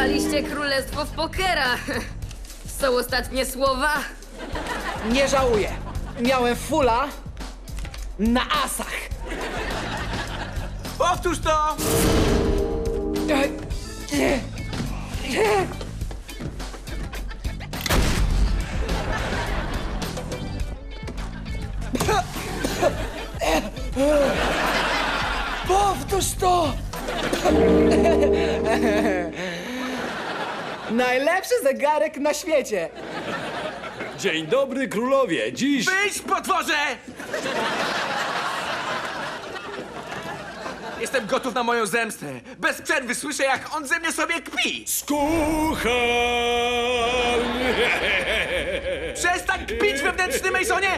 Wygraliście królestwo w pokera. Są ostatnie słowa? Nie żałuję. Miałem fula na asach. Powtórz to! Powtórz to! Najlepszy zegarek na świecie. Dzień dobry, królowie. Dziś... Wyjdź, potworze! Jestem gotów na moją zemstę. Bez przerwy słyszę, jak on ze mnie sobie kpi. Skucham! Przestań kpić, wewnętrzny Masonie!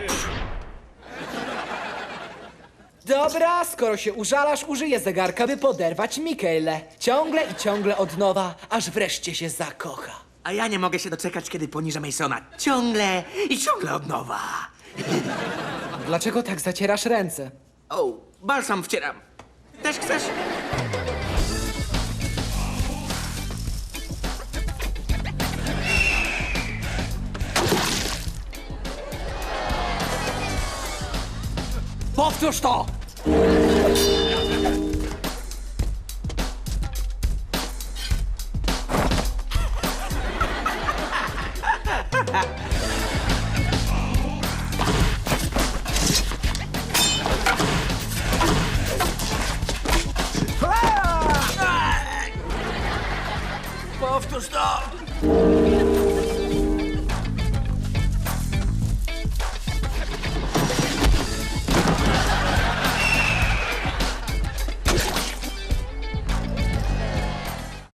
Dobra, skoro się użalasz, użyję zegarka, by poderwać Mikaelę. Ciągle i ciągle od nowa, aż wreszcie się zakocha. A ja nie mogę się doczekać, kiedy poniżę Masona. Ciągle i ciągle od nowa. Dlaczego tak zacierasz ręce? O, balsam wcieram. Też chcesz? Powtórz to! Powtórz to!